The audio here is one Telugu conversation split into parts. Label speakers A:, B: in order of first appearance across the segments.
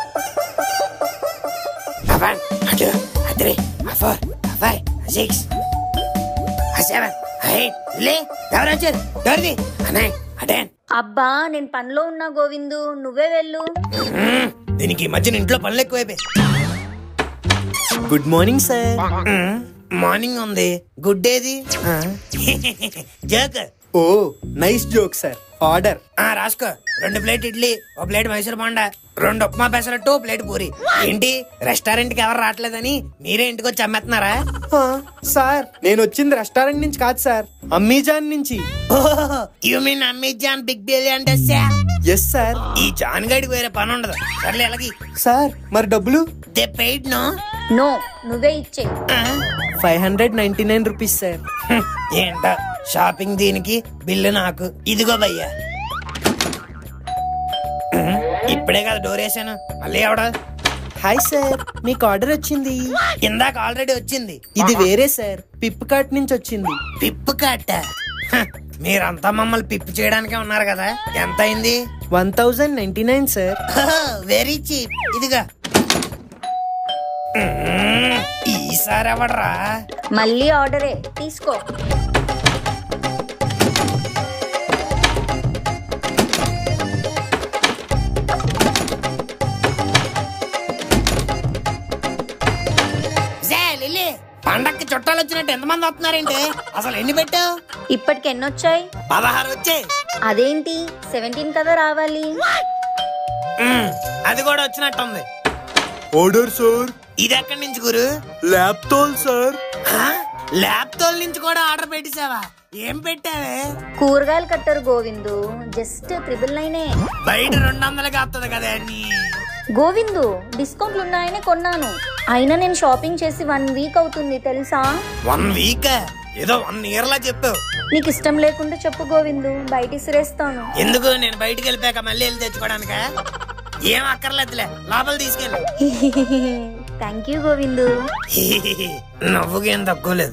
A: అబ్బా నేను పనిలో ఉన్నా గోవిందు, నువ్వే వెళ్ళు.
B: దీనికి ఈ మధ్యన ఇంట్లో పనులు ఎక్కువైపోయి.
C: Good morning sir.
B: మార్నింగ్ ఉంది, గుడ్ ఏది? Joke.
C: Oh nice joke sir. Order.
B: రాసుకో. 2 plate idli, 1 plate Mysore bonda, 2 upma pesarattu, 1 plate puri. ఏంటి రెస్టారెంట్ కి ఎవరు రావట్లేదని మీరే ఇంటికి వచ్చి అమ్మేస్తున్నారా?
C: సార్ నేను వచ్చింది రెస్టారెంట్ నుంచి కాదు సార్, అమ్మీజాన్ నుంచి.
B: You mean Amazon big billion days?
C: Yes sir.
B: ఈ జాన్ గడికి వేరే పని ఉండదు. సర్లే ఎలాగి
C: సార్ మరి డబ్బులు?
B: They paid no.
A: నో, నువ్వే ఇచ్చే.
C: 599 రూపీస్ సార్.
B: ఏంటో షాపింగ్ దీనికి, బిల్లు నాకు. ఇదిగో భయ్యా. ఇప్పుడే కదా డోర్ వేసాను, మళ్ళీ ఎవడ?
C: హాయ్ సార్, మీకు ఆర్డర్ వచ్చింది.
B: ఇందాక ఆల్రెడీ వచ్చింది.
C: ఇది వేరే సార్, పిప్ కార్ట్ నుంచి వచ్చింది.
B: పిప్పు కట్ట? మీరంతా మమ్మల్ని పిప్పు చేయడానికే ఉన్నారు కదా. ఎంత అయింది?
C: 1099 సార్.
B: Very cheap. ఇదిగా. ఈసారి ఎవడరా?
A: మళ్ళీ ఆర్డరే, తీసుకో.
B: పండక్కి చుట్టాలు వచ్చినట్టు ఎంతమంది వస్తున్నారేంటి? అసలు ఎన్ని పెట్టావు?
A: ఇప్పటికి ఎన్నొచ్చాయి?
B: 16 వచ్చాయి.
A: అదేంటి 17 కదా రావాలి?
B: అది కూడా వచ్చినట్టుంది.
C: Order sir.
B: ఇది ఎక్కడి నుంచి గురు?
C: Laptop sir.
B: ల్యాప్టాప్ నుంచి కూడా ఆర్డర్ పెట్టేసావా? ఏం పెట్టావే?
A: కూరగాయలు కట్టారు గోవిందు, జస్ట్ 999.
B: బయట 200కి వస్తుంది కదా అన్ని.
A: గోవిందు డిస్కౌంట్లు ఉన్నాయని కొన్నాను, అయినా నేను షాపింగ్ చేసి 1 వీక్ అవుతుంది తెలుసా?
B: 1 వీక్? ఏదో 1 ఇయర్ లా చెప్పావు.
A: నీకు ఇష్టం లేకుండా చెప్పు గోవిందు, బయట ఇసిరేస్తాను.
B: ఎందుకు? నేను బయటికి వెళ్ళిపోయాక మళ్ళీ వెళ్ళి తెచ్చుకోవడానిక? ఏం అక్కర్లేదులే, లోపల తీసుకెళ్ళు.
A: Thank you Govindu.
B: నవ్వుకేం తక్కువ లేదు.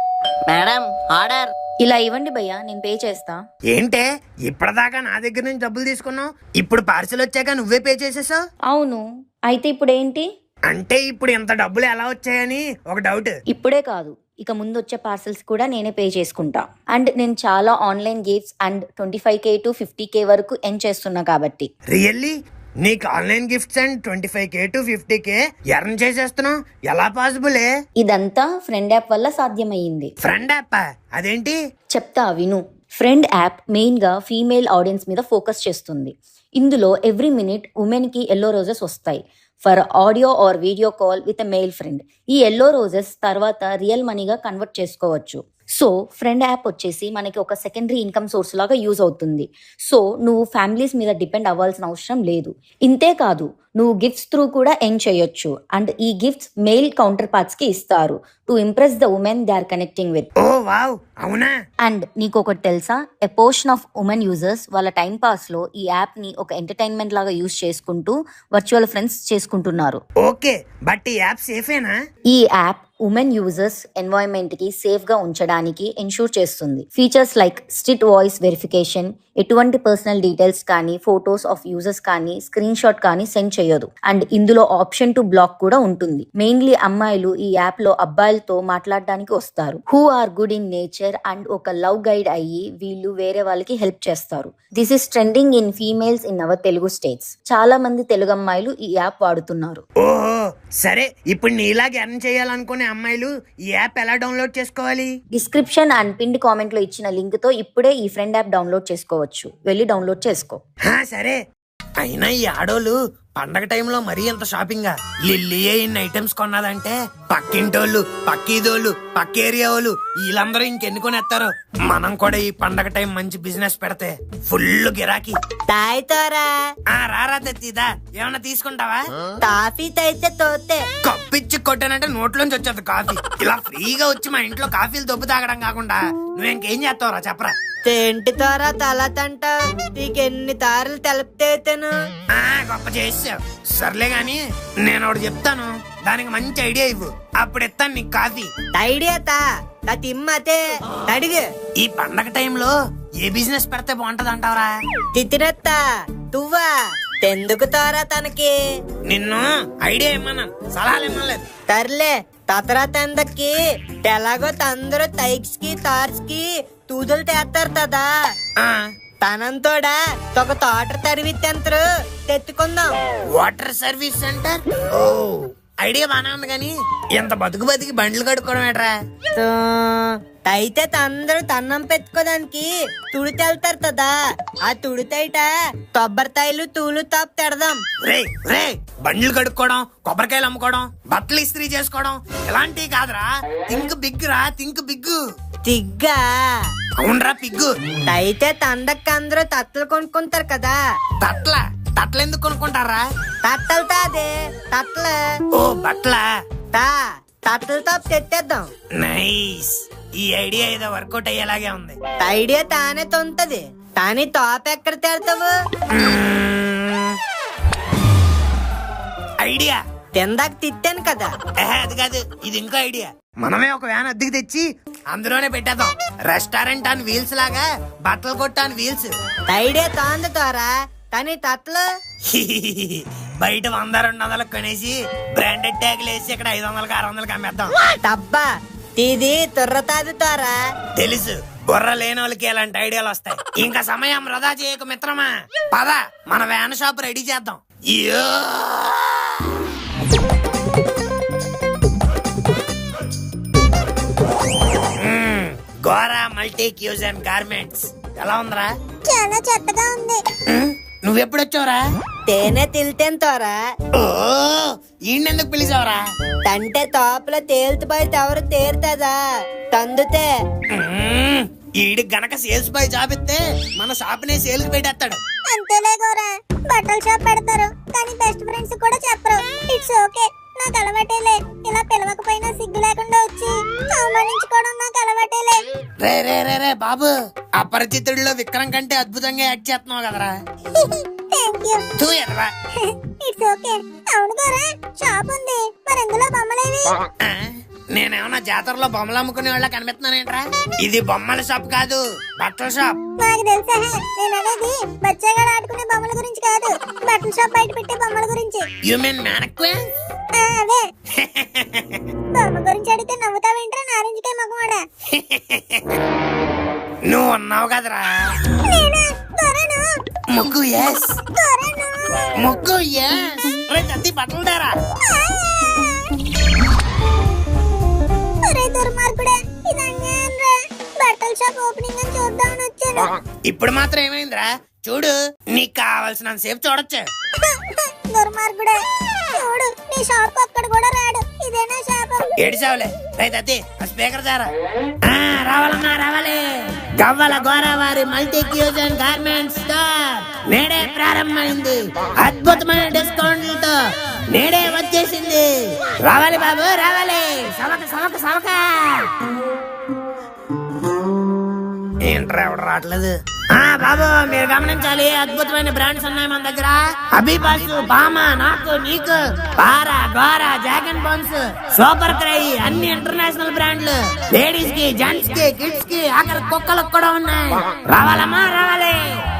D: Madam order.
A: ఇలా ఇవ్వండి భయ్యా, నేను పే చేస్తా.
B: ఏంటే ఇప్పటిదాకా నా దగ్గర నుంచి డబ్బులు తీసుకున్నావు, ఇప్పుడు పార్సిల్ వచ్చాక నువ్వే పే చేసేసావు?
A: అవును, అయితే ఇప్పుడు ఏంటి?
B: అంటే ఇప్పుడు ఇంత డబ్బులు ఎలా వచ్చాయని ఒక డౌట్.
A: ఇప్పుడే కాదు, ఇక ముందు వచ్చే పార్సల్స్ కూడా నేనే పే చేసుకుంటా. అండ్ నేను చాలా online gifts and 25K to 50K వరకు ఎర్న్ చేస్తున్నా కాబట్టి.
B: రియల్లీ? నీకు online gifts and 25K to 50K earn చేసేస్తున్నావు? ఎలా పాసిబులే?
A: ఇదంతా ఫ్రెండ్ యాప్ వల్ల సాధ్యమయ్యింది.
B: Friend app? అదేంటి?
A: చెప్తా విను. ఫ్రెండ్ యాప్ మెయిన్ గా ఫీమేల్ ఆడియన్స్ మీద ఫోకస్ చేస్తుంది. ఇందులో ఎవ్రీ మినిట్ ఉమెన్ కి ఎల్లో రోజెస్ వస్తాయి for audio or video call with a male friend. ఈ ఎల్లో రోజెస్ తర్వాత రియల్ మనీగా కన్వర్ట్ చేసుకోవచ్చు. సో ఫ్రెండ్ యాప్ వచ్చేసి మనకి ఒక సెకండరీ ఇన్కమ్ సోర్స్ లాగా యూజ్ అవుతుంది. సో నువ్వు ఫ్యామిలీస్ మీద డిపెండ్ అవ్వాల్సిన అవసరం లేదు. ఇంతే కాదు, నువ్వు గిఫ్ట్స్ త్రూ కూడా ఎర్న్ చేయొచ్చు. అండ్ ఈ గిఫ్ట్స్ మెయిల్ కౌంటర్ పార్ట్స్ కి ఇస్తారు to impress the women they are connecting with.
B: Oh wow, అవునా?
A: అండ్ నీకు ఒకటి తెలుసా, a portion of women users వాళ్ళ టైం పాస్ లో ఈ యాప్ ని ఒక ఎంటర్టైన్మెంట్ లాగా యూజ్ చేసుకుంటూ వర్చువల్ ఫ్రెండ్స్ చేసుకుంటున్నారు.
B: ఓకే, బట్ ఈ యాప్ సేఫేనా?
A: ఈ యాప్ ఉమెన్ యూజర్స్ ఎన్వైరన్మెంట్ కి సేఫ్ గా ఉంచడానికి ఎన్షూర్ చేస్తుంది. Features like strict voice verification, ఎటువంటి పర్సనల్ డీటెయిల్స్ కానీ ఫోటోస్ ఆఫ్ యూజర్స్ కానీ స్క్రీన్ షాట్ కానీ సెండ్ చేయదు. అండ్ ఇందులో ఆప్షన్ టు బ్లాక్ కూడా ఉంటుంది. మెయిన్లీ అమ్మాయిలు ఈ యాప్ లో అబ్బాయిలతో మాట్లాడడానికి వస్తారు who are good in nature and ఒక లవ్ గైడ్ అయ్యి వీళ్ళు వేరే వాళ్ళకి హెల్ప్ చేస్తారు. This is trending in females in our Telugu states. చాలా మంది తెలుగు అమ్మాయిలు ఈ యాప్ వాడుతున్నారు.
B: ఓహో సరే, ఇప్పుడు నీలాగా ఎర్న్ చేయాలనుకునే అమ్మాయిలు ఈ యాప్ ఎలా డౌన్లోడ్ చేసుకోవాలి?
A: డిస్క్రిప్షన్ అండ్ పిన్డ్ కామెంట్ లో ఇచ్చిన లింక్ తో ఇప్పుడే ఈ ఫ్రెండ్ యాప్ డౌన్లోడ్ చేసుకోవచ్చు. వెళ్ళి డౌన్లోడ్ చేసుకో.
B: సరే, అయినా ఈ ఆడోళ్ళు పండగ టైంలో మరీ ఎంత షాపింగా? లిల్లీయే ఇన్ని ఐటమ్స్ కొన్నదంటే పక్కింటోళ్ళు, పక్కీదోళ్ళు, పక్క ఏరియా వాళ్ళు వీళ్ళందరూ ఇంకెన్ని కొనేస్తారు. మనం కూడా ఈ పండగ టైం మంచి బిజినెస్ పెడితే ఫుల్ గిరాకీ.
D: తాయితోరా
B: రారా తెచ్చిదా, ఏమన్నా తీసుకుంటావా?
D: కాఫీ తైతే తోతే
B: కప్పిచ్చి కొట్టానంటే నోట్లోంచి వచ్చేది కాఫీ. ఇలా ఫ్రీగా వచ్చి మా ఇంట్లో కాఫీలు దొబ్బు తాగడం కాకుండా నువ్వు ఇంకేం చేస్తావురా చెప్పరా?
D: తెంటి తోరా తల తంట నీకెన్ని తారలు తెలపితేను
B: గొప్ప చేసావు. సర్లే గాని నేను ఒకటి చెప్తాను, దానికి మంచి ఐడియా ఇవ్వు, అప్పుడు ఇస్తాను నీకు కాఫీ.
D: ఐడియా తా తిమ్మతే అడిగు.
B: ఈ పండగ టైంలో ఏ బిజినెస్ పెడితే బాగుంటది అంటావరా?
D: తిత్తిరత్తా తువ్వా ఎందుకు తారా తనకి
B: నిన్ను ఐడియా ఇమ్మన్నాను, సలహాలు ఇమ్మలేదు.
D: తర్లే తతరా తందకి ఎలాగో తందరూ టైక్స్ కి తార్స్ కి తూదులు తెస్తారు కదా,
B: ఆ,
D: తనంతోడా ఒక తోట తరివిత్తెంతరు తెత్తుకుందాం.
B: Water service centre. Oh idea బానే ఉంది కానీ ఎంత బతికి బండ్లు కడుక్కోవడం ఏట్రా?
D: అయితే అందరూ తన్నం పెట్టుకోదానికి తుడితెళ్తారు కదా, ఆ తుడితైట కొబ్బరికాయలు తూలు తాపు తెడదాం.
B: రే రే బండ్లు కడుక్కోవడం, కొబ్బరికాయలు అమ్ముకోవడం, బట్టలు ఇస్త్రీ చేసుకోవడం ఇలాంటివి కాదురా. థింక్ బిగ్ రా, థింక్ బిగ్.
D: తిగ్గా
B: అవునరా పిగ్గు.
D: అయితే తండక్క అందరూ తట్టలు కొనుక్కుంటారు కదా.
B: తట్ల ఎందుకు కొనుక్కుంటారా?
D: తట్టలు తాదే తట్టలు.
B: ఓ బట్ల
D: తట్టలతో తెత్తేద్దాం.
B: నైస్. ఈ ఐడియా ఏదో వర్కౌట్ అయ్యేలాగే ఉంది.
D: ఐడియా తానే తొంతది కానీ టాప్ ఎక్కడ తెడతావు?
B: ఐడియా
D: తిందాక తిట్టాను కదా.
B: అది కాదు, ఇది ఇంకో ఐడియా. మనమే ఒక వ్యాన్ అద్దెకి తెచ్చి అందులోనే పెట్టేద్దాం. రెస్టారెంట్ ఆన్ వీల్స్ లాగా బట్టలు కొట్టు ఆన్ వీల్స్.
D: ఐడియా తాంది తోరా కానీ తట్టలు
B: బయట 100-200 కొనేసి బ్రాండెడ్ ట్యాగులు వేసి ఇక్కడ 500-600 అమ్మేద్దాం.
D: తప్పా ఇది తుర్రతాది తోరా.
B: తెలుసు, బుర్ర లేని వాళ్ళకి ఇలాంటి ఐడియాలు వస్తాయి. ఇంకా సమయం వృధా చేయకు మిత్రమా, పద మన వ్యాన్ షాప్ రెడీ చేద్దాం. యో గోరా మల్టీ క్యూజన్ గార్మెంట్స్ ఎలా ఉందిరా?
E: చాలా చెత్తగా ఉంది.
B: నువ్వెప్పుడొచ్చావురా?
D: తేనె తిల్తేను తోరా.
B: ఓ ఈయనెందుకు పిలిచావురా?
D: తంటే తోపలో తేలుతుపోయితే ఎవరు తేరుతుందా తందుతే.
B: ఈడి గనక సేల్స్ బాయ్ జాబ్ ఇస్తే మన షాప్ నే సేల్ కి పెట్టేస్తాడు.
E: అంతేలే గోరా, బట్టల షాప్ పెడతారు కానీ బెస్ట్ ఫ్రెండ్స్ కూడా చెప్పరు. ఇట్స్ ఓకే, నాకు అలవాటేలే. ఇలా పిలవకపోయినా సిగ్గు లేకుండా వచ్చి అవమానించుకోవడం నాకు అలవాటేలే.
B: రే రే రే రే బాబు, అపరిచితుడిలో విక్రమ్ కంటే అద్భుతంగా యాక్ట్ చేస్తున్నావు కదరా.
E: Thank you.
B: ఎదవా.
E: It's okay. అవును గోరా, షాప్ ఉంది, మరి ఎందులో బొమ్మలేవి?
B: నేనేమన్నా జాతరలో బొమ్మలు అమ్ముకునే వాళ్ళ కనిపిస్తున్నానేంట్రా? ఇది బొమ్మల షాప్ కాదు, బట్టల షాప్.
E: నాకు తెలుసా, నేను అనేది బచ్చాగా ఆడుకునే బొమ్మల గురించి కాదు, బట్టల షాప్ బయట పెట్టే బొమ్మల గురించి.
B: You mean mannequin?
E: అదే బొమ్మ గురించి అడిగితే నవ్వుతావేంట్రా నారింజకాయ మగవాడా?
B: నువ్వు ఉన్నావు కదరా.
E: నేనా? గోరాను.
B: ముగ్గు ఎస్,
E: గోరాను.
B: ముగ్గు ఎస్. బట్టలు దారా.
E: ఒరే దుర్మార్గుడా, ఇది అన్యాయం రా. బట్టల షాప్ ఓపెనింగ్ అని చూద్దామని వచ్చాను.
B: ఇప్పుడు మాత్రం ఏమైందిరా? చూడు, నీకు కావాల్సినంత సేపు చూడొచ్చు.
E: దుర్మార్గుడా, చూడు నీ షాప్ అక్కడ కూడా రాడు. ఇదేనా షాప్?
B: ఏడిసావులే. రైతు స్పీకర్ దారా. రావాలమ్మా రావాలి. గవ్వల గోరావారి మల్టీ క్యూజన్ గార్మెంట్స్ స్టోర్ నేడే ప్రారంభమైంది. అద్భుతమైన డిస్కౌంట్లతో నేడే వచ్చేసింది. రావాలి బాబు రావాలి. సవక సవక సవక. ఏంట్రా ఎవడు రావట్లేదు? బాబు మీరు గమనించాలి, అద్భుతమైన బ్రాండ్స్ ఉన్నాయి మన దగ్గర. అభిబాస్, బామా, నాకు, నీకు, పారా, గోరా, జాగన్ బోన్స్, సూపర్ క్రై అన్ని ఇంటర్నేషనల్ బ్రాండ్లు. లేడీస్ కి, జెంట్స్ కి, కిడ్స్ కి, ఆఖరి కుక్కలకు కూడా ఉన్నాయి. రావాలమ్మా రావాలి.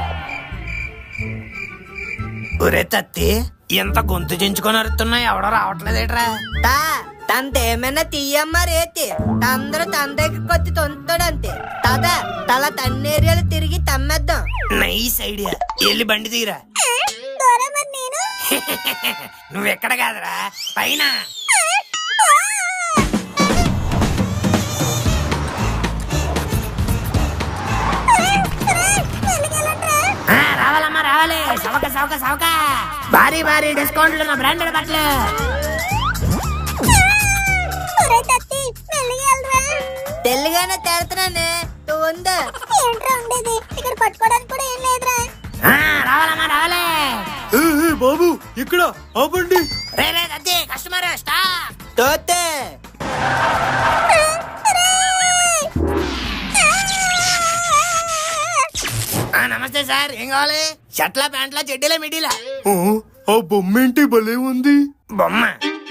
B: ఒరే తత్తి, ఎంత గొంతు చించుకొని అరుతున్నాయి, ఎవడో రావట్లేదేట్రా?
D: తంతేమైనా తీయమ్మ రేతి అందరూ తన దగ్గర కొద్ది తొంతాడంతే. తాత తల తన్నేరియాలు తిరిగి తమ్మేద్దాం.
B: Nice idea. వెళ్ళి బండి తీరా.
E: గోరా, మరి నేను?
B: నువ్వెక్కడ కాదురా, పైన. రావాలమ్మా రావాలి. సవక సవక సవక. భారీ భారీ డిస్కౌంట్లు ఉన్న బ్రాండెడ్ బట్టలు.
D: తెల్లిగానే తేడుతున్నానే ఉందా?
E: ఏంట్రా ఉండేది? ఇక్కడ పట్టుకోవడానికి కూడా ఏం లేదురా.
B: రావాలమ్మా రావాలి.
C: బాబు ఇక్కడ ఆపండి.
B: రే రే అదే కస్టమర్ స్టాప్.
D: తోతే
B: నమస్తే సార్, ఏం కావాలి? షర్ట్లా, ప్యాంట్లా, చెడ్డీలా, మిడ్డీలా?
C: ఆ బొమ్మ ఏంటి భలే ఉంది.
B: బొమ్మ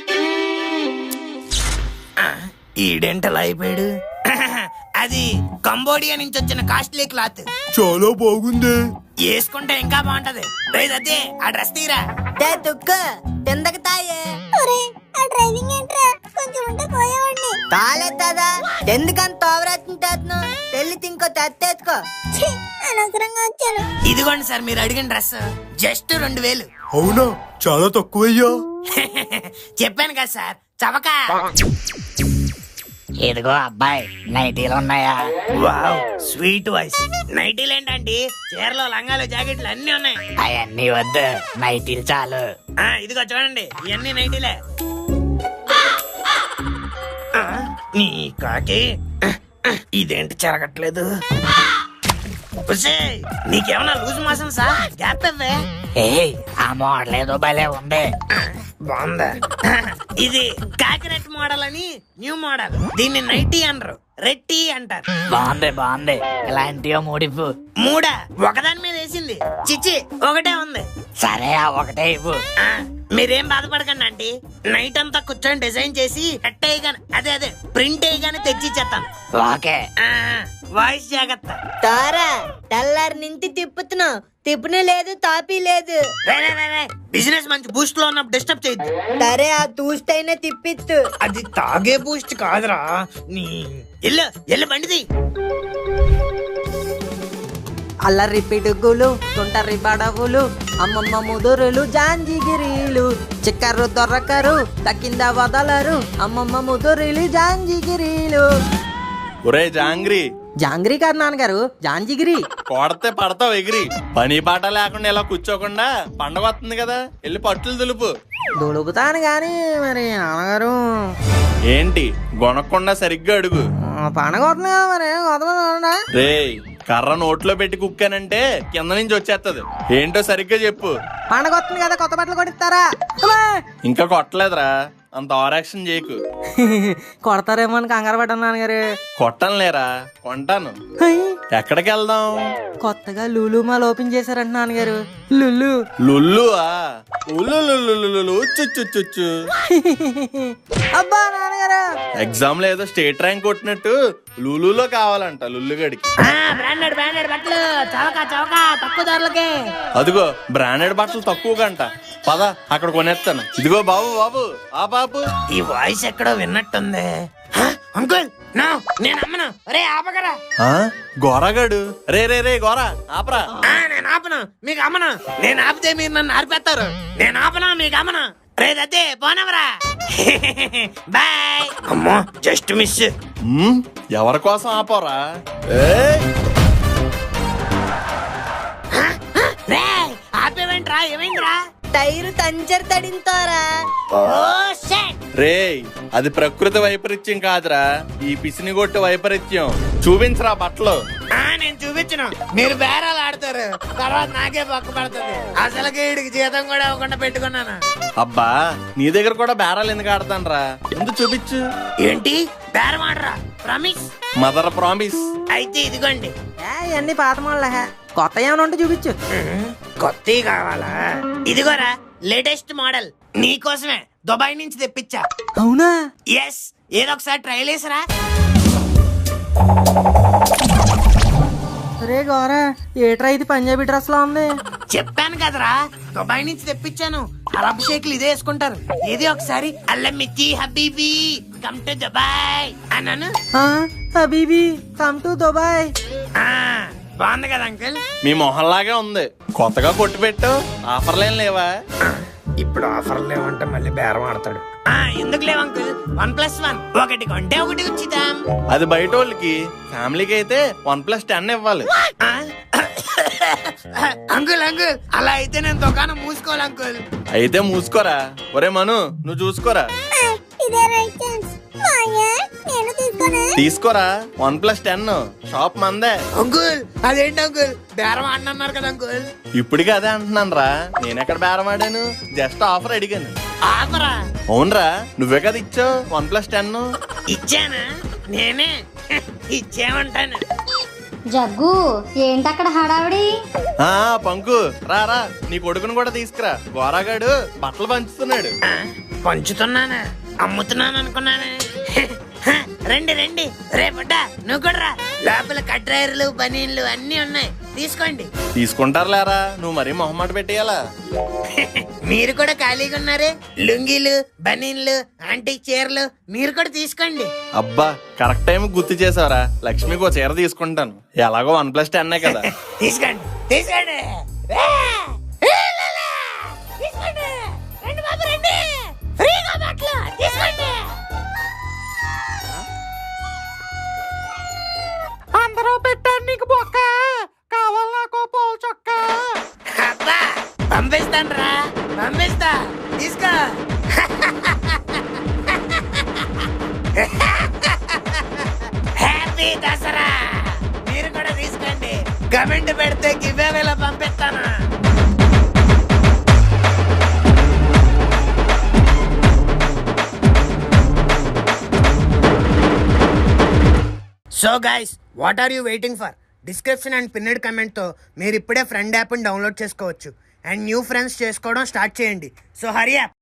B: ఈడెంటలా అయిపోయాడు? అది కంబోడియా నుంచి వచ్చిన కాస్ట్లీ క్లాత్.
C: చాలా బాగుంది.
B: వేసుకుంటే ఇంకా బాగుంటది. రేయ్ అదే ఆ డ్రెస్ తీరా.
D: తుక్కు తిందక తాయే
E: ఒరే ఆ డ్రైవింగ్ ఏంట్రా, కొంచెం ఉంటే పోయేవాడిని.
D: తాలేదా ఎందుకంత ఓవరాక్షన్ తెల్లి ఇంకో తెచ్చుకో.
E: ఛీ, అనవసరంగా వచ్చాను.
B: ఇదిగోండి సార్ మీరు అడిగిన డ్రెస్, జస్ట్ 2000.
C: అవునా, చాలా తక్కువయ్యా.
B: చెప్పాను కదా సార్, చవక.
F: ఇదిగో అబ్బాయి, నైటీలు ఉన్నాయా?
B: Wow, sweet voice. నైటీలు ఏంటండి, చీరలు లంగాలు జాకెట్లు అన్ని ఉన్నాయి.
F: అవన్నీ వద్దు, నైటీలు చాలు.
B: ఇదిగో చూడండి, ఇవన్నీ నైటీలే. నీ కాకి ఇదేంటి చెరగట్లేదు? నీకేమన్నా లూజ్ మోషన్ సార్? గ్యాప్ ఇవ్వే.
F: ఏయ్, ఆ మోడల్ ఏదో భలే ఉంది.
B: బాగుందా? ఇది కాకిరెట్ మోడల్ అని న్యూ మోడల్. దీన్ని నైటీ అనరు, రెట్టి అంటారు.
F: బాగుంది. ఇలాంటివో మూడివ్వు.
B: మూడా? ఒకదాని మీద వేసింది. చిచ్చి, ఒకటే ఉంది.
F: సరే, ఆ ఒకటే ఇవ్వు.
B: మీరేం బాధపడకండి ఆంటీ, నైట్ అంతా కూర్చొని డిజైన్ చేసి కట్ అయ్యగానే అదే ప్రింట్ అయ్యగానే తెచ్చిచ్చేస్తాను.
F: ఓకే.
B: వాయిస్ జాగ్రత్త.
D: తారా తెల్లారి నుంచి తిప్పుతున్నావు, తిప్పునే లేదు తాపీ లేదు.
B: బిజినెస్ మంచి బూస్ట్ లో ఉన్నప్పుడు డిస్టర్బ్ చేయొద్దు.
D: సరే ఆ తూస్తైనా తిప్పిత్తు.
B: అది తాగే బూస్ట్ కాదురా. నీ ఎల్లు బండిది.
D: అల్లరి పిడుగులు, తుంటరి బడవులు, అమ్మమ్మ ముదురులు, జాంజిగిరీలు, చిక్కరు దొరకరు, తక్కింద వదలరు, అమ్మమ్మ ముదురులు, జాంజిగిరీలు.
G: ఒరే జాంగ్రీ.
D: జాంగ్రీ కాదు నాన్నగారు, జాంజిగిరి.
G: కొడితే పడతావు ఎగిరి. పని పాట లేకుండా ఇలా కూర్చోకుండా పండగ వస్తుంది కదా, వెళ్ళి పట్టులు దులుపు.
D: దులుపుతాను గాని మరి నాన్నగారు.
G: ఏంటి గొనకుండా సరిగ్గా అడుగు.
D: పండగ వస్తుంది కదా మరి వదలనా?
G: రేయ్, కర్ర నోట్లో పెట్టి కుక్కానంటే కింద నుంచి వచ్చేస్తది. ఏంటో సరిగ్గా చెప్పు.
D: పండగ వస్తుంది కదా, కొత్త బట్టలు కొడిస్తారా?
G: ఇంకా కొట్టలేదురా, అంత ఓవరాక్షన్ చేయకు.
D: కొడతారేమో అని కంగారు పడ్డాను నాన్నగారు.
G: కొట్టను లేరా, కొంటాను. ఎక్కడికి వెళ్దాం?
D: కొత్తగా లులు మాల్ ఓపెన్ చేశారంట నాన్నగారు. లులు
G: లుల్లువా? ఉల్లు చుచ్చు.
D: అబ్బా నాన్నగారు,
G: ఎగ్జామ్ లో ఏదో స్టేట్ ర్యాంక్ కొట్టినట్టు లులులో కావాలంట లుల్లుగడికి.
B: బ్రాండెడ్ బట్టలు చవక తక్కువ ధరలకే.
G: అదిగో బ్రాండెడ్ బట్టలు తక్కువ గంట. పద, అక్కడ కొనేస్తాను. ఇదిగో బాబు ఆ బాబు.
B: ఈ వాయిస్ ఎక్కడో విన్నట్టుంది. అంకుల్ నేను అమ్మను. రే ఆపగరా.
G: గోరాగాడు. రే గోరా ఆపరా.
B: నేను ఆపను, మీకు అమ్మను. నేను ఆపితే మీరు నన్ను ఆర్పేస్తారు. నేను ఆపను, మీకు అమ్మను. రే దత్తే పోనవరా. బాయ్. అమ్మో, జస్ట్ మిస్.
G: ఎవరి కోసం ఆపరా?
B: రే ఆపేవేంట్రా, ఏమైందిరా?
D: Tyre puncture తడింతోరా.
G: రే, అది ప్రకృతి వైపరీత్యం కాదురా, ఈ పిసిని కొట్టు వైపరీత్యం. చూపించరా బట్టలు.
B: నేను చూపించను, మీరు బేరాలు ఆడతారు, తర్వాత నాకే పక్క పడుతుంది. అసలుకే వీడికి జీతం కూడా ఇవ్వకుండా పెట్టుకున్నాను.
G: అబ్బా, నీ దగ్గర కూడా బేరాలు ఎందుకు ఆడతానరా? ముందు చూపించు.
B: ఏంటి బేరం ఆడరా? ప్రామిస్.
G: Mother promise.
B: అయితే ఇదిగోండి.
D: ఇవన్నీ పాత మళ్ళా, కొత్త ఏమైనా ఉంటే చూపించు.
B: కొత్తవి కావాలా? ఇదిగోరా లేటెస్ట్ మోడల్, నీకోసమే దుబాయ్ నుంచి తెప్పించా.
D: అవునా?
B: ఎస్, ఏదో ఒకసారి ట్రైల్ వేసరా.
D: రే గోరా, ఏట్రా ఇది పంజాబీ డ్రెస్ లో ఉంది?
B: చెప్పాను కదరా, దుబాయ్ నుంచి తెప్పించాను. అరబ్ షేక్లు ఇదే వేసుకుంటారు. ఏది ఒకసారి అల్లమిచ్చి హబీబీ కమ్ టు దుబాయ్ అన్నాను.
D: హబీబీ కమ్ టు దుబాయ్.
B: బాగుంది కదా అంకుల్?
G: మీ మొహల్లాగే ఉంది. కొత్తగా కొట్టు పెట్టు. ఆఫర్లేం లేవా?
B: ఇప్పుడు ఆఫర్ లేవంటే మళ్ళీ బేరం ఆడతాడు. ఎందుకు లేవు అంకుల్? 1+1 ఒకటి కొంటే ఒకటి ఉచితం.
G: అది బయట వాళ్ళకి, ఫ్యామిలీకి అయితే 1+10 ఇవ్వాలి.
B: అంకుల్ అలా అయితే నేను దుకాణం మూసుకోవాలి అంకుల్.
G: అయితే మూసుకోరా. ఒరే మను, నువ్వు చూసుకోరా.
E: ఇదే రైట్ ఛాన్స్. నేను
G: తీసుకోరా, 1+10 షాప్ మందే.
B: అంకుల్ అదేంటి అంకుల్, బేరం ఆడన్నారు కదా అంకుల్?
G: ఇప్పటికి అదే అంటున్నాను రా. నేనెక్కడ బేరం ఆడాను, జస్ట్ ఆఫర్ అడిగాను.
B: ఆఫరా?
G: అవునరా, నువ్వే కదా ఇచ్చావు 1+10.
B: ఇచ్చానా? నేనే ఇచ్చేమంటాను.
E: జగ్గు ఏంటక్కడ హడావిడి?
G: పంకు రా, నీ కొడుకును కూడా తీసుకురా. గోరాగాడు బట్టలు పంచుతున్నాడు.
B: పంచుతున్నానా? అమ్ముతున్నాను అనుకున్నానే. రండి రే బుడ్డ, నువ్వు కూడా రా. లోపల కట్రాయర్లు బనీన్లు అన్ని ఉన్నాయి. తీసుకోండి.
G: తీసుకుంటారు లేరా, నువ్వు మరీ మొహమాట పెట్టేయాలా?
B: మీరు కూడా ఖాళీగా ఉన్నారే, లుంగీలు, బనీన్లు, ఆంటీ చీరలు మీరు కూడా తీసుకోండి.
G: అబ్బా కరెక్ట్ టైం గుర్తు చేసావరా. లక్ష్మికి ఒక చీర తీసుకుంటాను, ఎలాగో 1+10 కదా.
B: తీసుకోండి తీసుకోండి.
F: అందరూ పెట్టాను నీకు బొక్క, కావాలి నాకు పోల్ చొక్క.
B: అబ్బా పంపిస్తాను రా, పంపిస్తా, తీసుకో. హ్యాపీ దసరా. మీరు కూడా తీసుకోండి, కమెంట్ పెడితే గివ్ అవేలో పంపిస్తాను. So guys, what are you waiting for? Description and pinned comment తో మీరు ఇప్పుడే ఫ్రెండ్ యాప్ ని డౌన్లోడ్ చేసుకోవచ్చు అండ్ న్యూ ఫ్రెండ్స్ చేసుకోవడం స్టార్ట్ చేయండి. So hurry up.